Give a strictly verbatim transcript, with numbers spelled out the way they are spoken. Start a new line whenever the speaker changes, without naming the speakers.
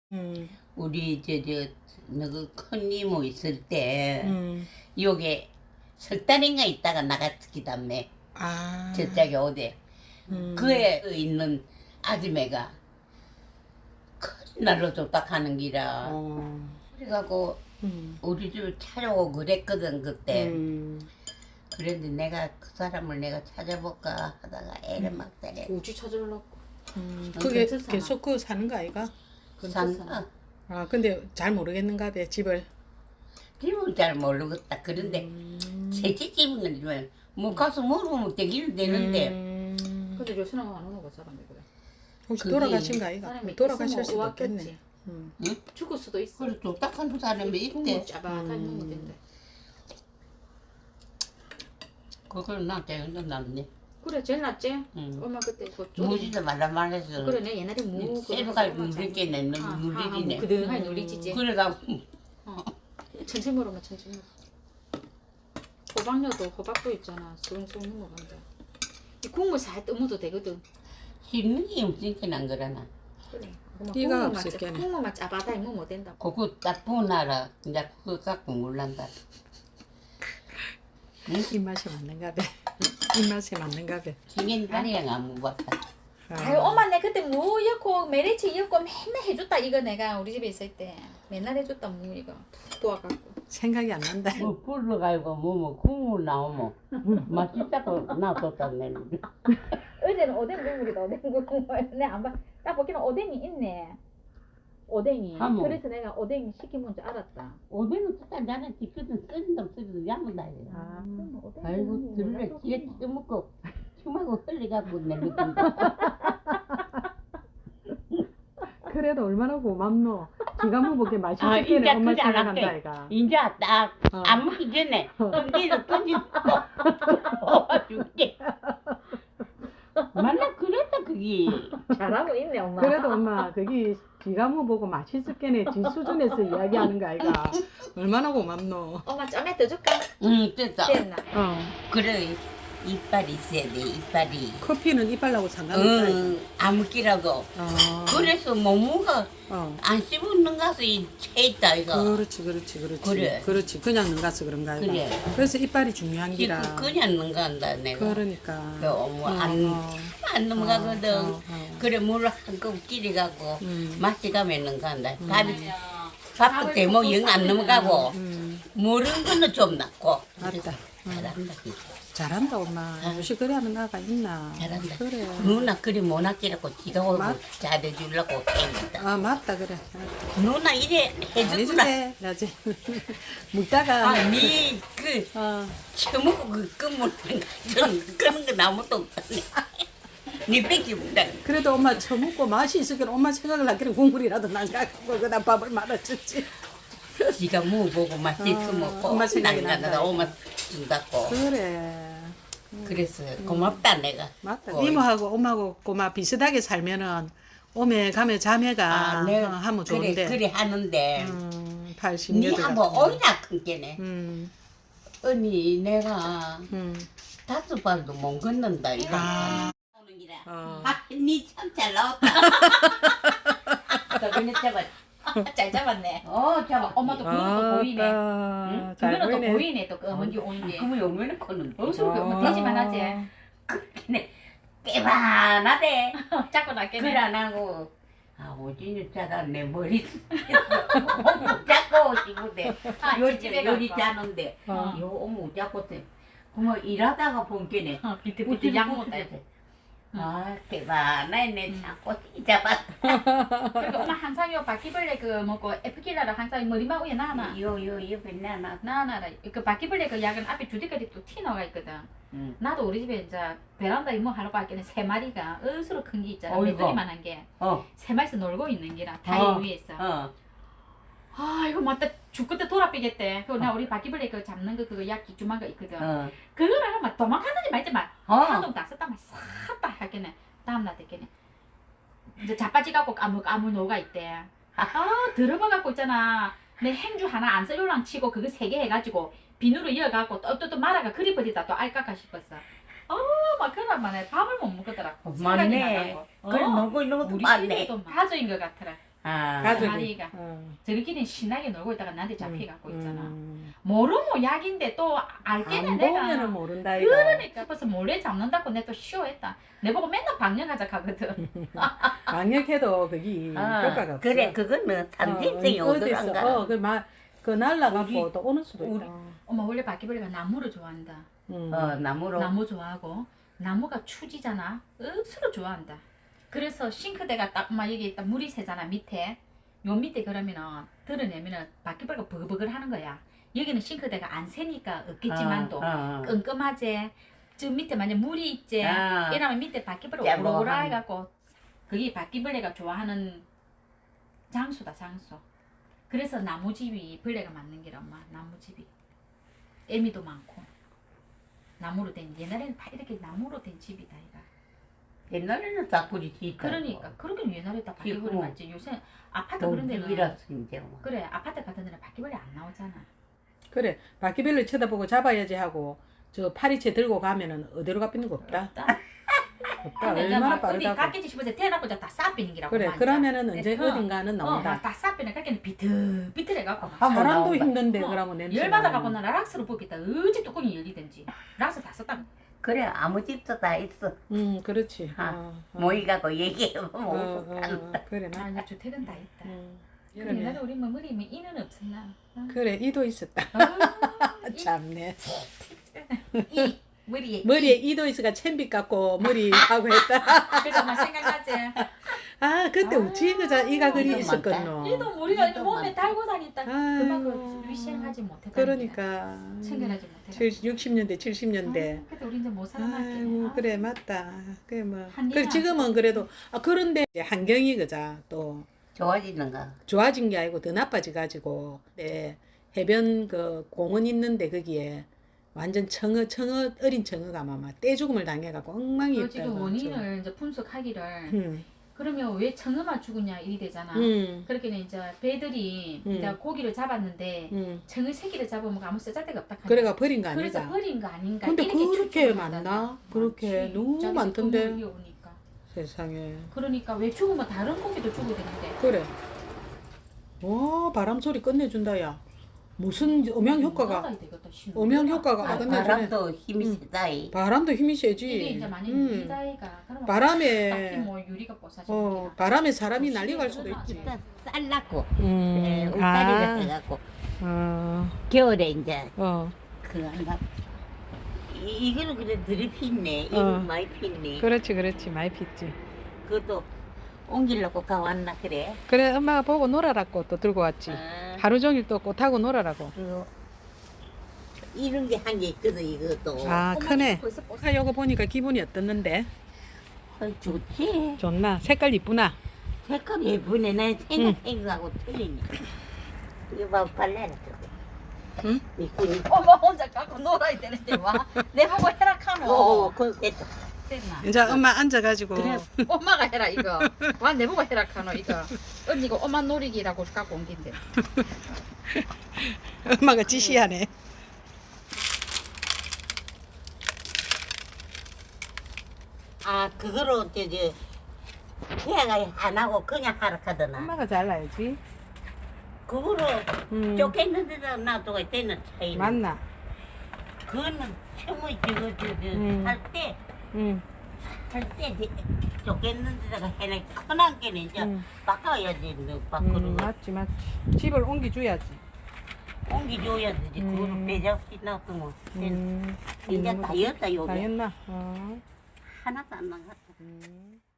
음.
우리 저저 너그 큰 이모 있을 때
음.
요게 석 달인가 있다가 나갔기다며
아.
저짝에 오대.
음.
그에 있는 아줌매가 큰 날로 줬다 가는 기라.
어.
그래갖고
음.
우리 집 찾아오고 그랬거든 그때.
음.
그런데 내가 그 사람을 내가 찾아볼까 하다가 애를 막 때려.
우지 찾으려고.
음.
어,
그게
괜찮잖아.
계속 그 사는 거 아이가?
산다.
아 근데 잘 모르겠는가 봐 집을.
집은 잘 모르겠다. 그런데
음.
새집 집은 건뭐 가서 물어보면 되기는 되는데.
음.
근데 요새는 안 오는 거 사람이 그래.
혹시
그게
돌아가신 거 아이가?
사람이
돌아가실
있으면
수도
왔겠지.
있겠네. 음.
응?
죽을 수도 있어.
그래 쫄딱한 사람이
국물
있대.
짜박한
음.
놈인데.
그걸 나한테 연락 났네.
그래 제일 낫지.
응.
엄마 그때 그 쪼리.
무지도 말라 말해서.
그래 내 옛날에 무
새벽알 누리겠네. 누리기네.
그등하게 누리지지.
그래가지고
어. 천천히 먹으면 천천히 먹어. 호박녀도 호박도 있잖아. 수릉수릉 먹는다. 이 국물 살 떠먹어도 되거든.
씹는 게 없으니까 안 그러나.
그래.
이가 없을 게네.
국물만 짜바다에 먹으면 못 된다.
그거 딱 보나라. 이제 그거 갖고 몰란다.
입맛에 맞는가 봐. 입맛에 맞는가 봐.
생긴 다리랑 안 먹었다.
아유 엄마 내 그때 무 였고 메리치 였고 맨날 해줬다 이거 내가 우리 집에 있을 때 맨날 해줬다 무 이거 푹 도와갖고.
생각이 안 난다.
뭐 불러가지고 뭐뭐 국물 나오면 맛있다고 놔뒀다네.
어제는 오뎅 국물이다 오뎅 국물. 내안 봐. 딱 보기는 오뎅이 있네. 오뎅이.
하모.
그래서 내가 오뎅 시키면 줄 알았다.
오뎅은 진짜 나는 지금 끓인다 끓인다 야무다.
아, 그럼 오뎅
아이고
국물이
들래
몰라서
뒤에
그렇구나.
쪄먹고 춤하고 흘려갖고 내놓던데.
그래도 얼마나 고맙노. 기가 먹게 맛있게
아,
는
이제
엄마
그게 안
생각한다
할게.
아이가.
이제 딱
어.
안 먹기 전에 던지서 던지고 도와줄게. 만나 그랬다 그게.
잘하고 있네 엄마.
그래도 엄마 그게 기가 먹고 맛있겠네. 지 수준에서 이야기하는 거 아이가. 얼마나 고맙노.
엄마 점에 더 줄까?
응 됐다.
됐나?
어.
그래 이빨이 있어야 돼 이빨이.
커피는 이빨하고 상관없다. 아이가.
응 아무끼라도.
어.
그래서 모모가
어.
안 씹는 것이 채있다 이거.
그렇지 그렇지 그렇지.
그래.
그렇지. 그냥 능가서 그런가 아이가.
그래.
그래서 이빨이 중요한 기라.
지금 그냥 넘간다 내가.
그러니까.
너무
어,
안,
어.
안 넘어가거든.
어, 어, 어.
그래 물 한컵 끼리가고
음.
맛이 가면 넘간다. 밥이 밥도 대모 영 안 넘어가고
음.
모르는 거는 좀 낫고.
맞다.
잘한다 진짜.
잘한다 엄마.
아.
요새 그래 하는 아가 있나.
잘한다.
그래.
누나 그리 못하기라고 지가 오고
맞-
잘해주려고 했다.
아 맞다 그래.
누나 이래 해주구나.
해주래. 나지. 묵다가.
아니 그
어.
처먹고 그 끄물 그런 건 아무것도 없다네. 니 뺏기 못다.
그래도 엄마 처먹고 맛이 있으니까 엄마 생각을 하기는 국물이라도 난가고 그다음 밥을 말아주지.
지가 먹어보고 맛있어
어,
먹고
엄마 생각이
난가다
난다.
엄마 준다고.
그래.
그래서 고맙다 내가.
맞다.
어이.
이모하고 엄마하고 꼬마 비슷하게 살면은 오메 가메 자매가
아, 내
어, 하면
그래
좋은데.
그래 하는데
음, 팔십
니
여덟
한번
같은
오이나 큰 게네.
음,
언니 내가
음.
다섯 발도 못 걷는다 이거.
아.
오는 기라.
어.
아, 니 참 잘 나왔다. 저번에 잡았.
잘 잡았네.
어 잡아.
엄마도 그것도 보이네.
아,
응?
잘
그거는 또
보이네.
보이네 또 검은 게 오는 게.
그러면 얼마나 컸는데?
어디서 그렇게 엄마 되지만 하지.
그네 깨반하대.
자꾸 낫겠네.
그래 안 하고 아 오진이 짜다 내 머리 어묵 잡고 싶은데
아,
요리
집에
요리
가서.
짜는데
어.
요 어묵 잡고 때 그러면 일하다가 본 게네
어, 비트비트 양 먹다.
아 대박나네 내 자꾸 잡았다
그리고 엄마 항상 요 바퀴벌레 그 뭐고 에프킬라를 항상 머리만 위에 놔놔.
요요 옆에 나나
놔놔라. 그 바퀴벌레 그 약은 앞에 두 대까지 또 티 나가 있거든.
응.
나도 우리 집에 이제 베란다 이모 하려고 할게는 세 마리가 으스로 큰 게 있잖아.
어이구.
메뚜기만한 게.
어,
세 마리서 놀고 있는 기라 다리
어.
위에서.
어.
아 이거 맞다 죽겠다 돌아삐겠대. 그거 나 우리 바퀴벌레 그 잡는 거 그거 약 기주만 거 있거든.
어.
그거를 막 도망가든지 말지 말.
어.
한동 딱 썼다 막 싹다 하겠네. 다음날 됐겠네. 이제 자빠지 갖고 까물 까물 녹아 있대. 아 들어봐 갖고 있잖아. 내 행주 하나 안 쓸려랑 치고 그거 세 개 해가지고 비누로 이어갖고 또 또 또 말아가 그리버리다 또 알까까 싶었어. 어막 그러면 내 밥을 못 먹겠더라.
맞네.
생각이 나더라고.
그래
어.
먹고 있는 것도
우리
맞네.
집에도 가족인 것 같더라.
아,
가족이.
마리가.
어.
저희끼리 신나게 놀고 있다가 나한테 잡혀갖고 있잖아.
음.
모르면 약인데 또 알게는
안
내가.
보면은 모른다 이거.
그러니까 싶어서 몰래 잡는다고 내가 또 쉬워했다. 내 보고 맨날 방영하자 하거든.
강력해도 그게
아,
효과가 없어.
그래 그거는 산생성이
어, 어디
오더란가.
있어. 어, 그 막, 그 날라갖고
우리-
또 오는 수도
우리-
있다.
엄마 원래 바퀴벌레가 나무를 좋아한다.
음.
어 나무로.
나무 좋아하고 나무가 추지잖아. 억수로 좋아한다. 그래서 싱크대가 딱 엄마 여기 딱 물이 새잖아 밑에. 요 밑에 그러면은 드러내면은 바퀴벌레가 버글버글 하는 거야. 여기는 싱크대가 안 새니까 없겠지만도
어, 어.
끔끔하지. 저 밑에 만약 물이 있지.
아.
이러면 밑에 바퀴벌레
짜 뭐
오글오글
한-
해갖고 그게 바퀴벌레가 좋아하는 장소다 장소. 그래서 나무집이 벌레가 많는 게라 엄마 나무집이. 애미도 많고 나무로 된 옛날에는 다 이렇게 나무로 된 집이다 이가.
옛날에는 다꾸리 짓다.
그러니까 그러긴 옛날에 다 바퀴벌레
지금
많지. 요새 아파트 그런 데는
동집이라서 이제 뭐.
그래 아파트 같은 데는 바퀴벌레 안 나오잖아.
그래. 바퀴벌레 쳐다보고 잡아야지 하고 저 파리채 들고 가면은 어디로 가삐는 거 없다.
없다.
없다.
근데 이제
얼마나
막 어디
빠르다고.
깎이지 싶어서 태어나고 다 싸삐는 기라고.
그래. 그러면은 언제
어.
어딘가는 나온다.
어다 싸삐는 깎이는 비틀비틀해갖고
한번
사람도
나온다.
힘든데
어,
그러면 냄새.
열받아갖고 나 락스로 뽑겠다. 어찌 뚜껑이 열리든지 락스 다 썼다.
그래 아무 집도 다 있어.
음, 그렇지.
아,
어, 어.
모이가고 얘기하면
어,
못
어,
산다.
어, 그래.
아
맞.
이제 주택은 다 있다.
음.
그래
이러네.
나도 우리 뭐 머리 뭐 이는 없었나. 어.
그래. 이도 있었다.
아, 이-
참네.
이 머리에
머리에 이도 있어가 챔빗 갖고 머리 하고 했다.
그래서 막 생각나지.
아, 그때
아,
우찌 그자 이가 그리
이도
있었거든.
이도 머리가
이도
몸에
많다.
달고 다녔다.
아이고.
그만큼 위생하지 못했다.
그러니까.
챙겨나지 못했다.
칠- 육십 년대, 칠십 년대.
그때 우리 이제 못 살아남게.
아이고, 그래 맞다. 그래 뭐.
한계가
그래 지금은 그래도 아 그런데 이제 환경이 그자 또
좋아지는가?
좋아진 게 아니고 더 나빠져 가지고 네, 해변 그 공원 있는데 거기에 완전 청어 청어 어린 청어가 막 떼죽음을 당해갖고 엉망이
그
있다.
지금 원인을 이제 분석하기를
음,
그러면 왜 청어만 죽으냐 이리 되잖아.
음,
그렇게는 이제 배들이
음.
이제 고기를 잡았는데
음.
청어 새끼를 잡으면 아무 쓰잘데가 없다.
그래가 버린 거
그래서
아니다.
버린 거 아닌가.
근데
이렇게
그렇게
추측을
많나?
한다나.
그렇게
많지.
너무
자기들
많던데.
돈을 위해오니까.
세상에.
그러니까 왜 죽으면 다른 고기도 죽어야 되는데.
그래. 와 바람 소리 끝내준다 야. 무슨 음향 효과가
나가야 되겠다, 신호.
음향 효과가
아,
아, 근데
바람도 힘이
음.
세다이.
바람도 힘이 세지.
이게 이제 만약
음.
유리다이가 그러면
바람에
딱히 뭐 유리가 뽀사지는
어 바람에 사람이
어,
날려갈 수도
시계를
있지.
끊어야지.
일단 쌀났고
음.
예, 울타리가 돼갖고
어.
겨울에 이제
어.
그 한다. 이 이거는 그래 들이 피네. 이거
어.
많이 피네.
그렇지 그렇지 많이 pis지.
그것도 옮기려고 가왔나 그래.
그래 엄마가 보고 놀아라고 또 들고 왔지.
아,
하루 종일 또 꽃하고 놀아라고.
그 이런 게 한 개 있거든 이것도.
아 크네.
벌써 뽀
아 요거 보니까 기분이 어떻는데?
어, 좋지.
좋나? 색깔 이쁘나?
색깔 예쁘네. 내 생각한 거하고 틀리네. 이거 봐 발레라 저거.
응?
미꾸리.
엄마 혼자 갖고 놀아야 되는데 와 내보고 해라 카노.
오, 그거 됐다.
됐나?
이제 엄마 앉아가지고.
그래 엄마가 해라 이거. 와 내보고 해라 카노 이거. 언니가 엄마 놀이기라고 갖고 온 긴데.
엄마가 지시하네.
아, 그거로 저, 저, 해가 안 하고 그냥 하라 하더나.
엄마가 잘라야지.
그거로
음.
쫓겠는 데다 놔두고 되는 차이는.
맞나?
그거는 처음에 저거, 저, 저,
음.
할 때,
응.
할 때, 쫓겠는 데다가 해는 큰한 개는 이제
음.
바꿔야지, 너 밖으로.
음, 맞지 맞지. 집을 옮겨줘야지.
옮겨줘야 되지.
음.
그거를 배잡시 놔두면.
음.
이제 다 였다, 요게.
다 했나? 어.
하나도 안 나갔다.
음.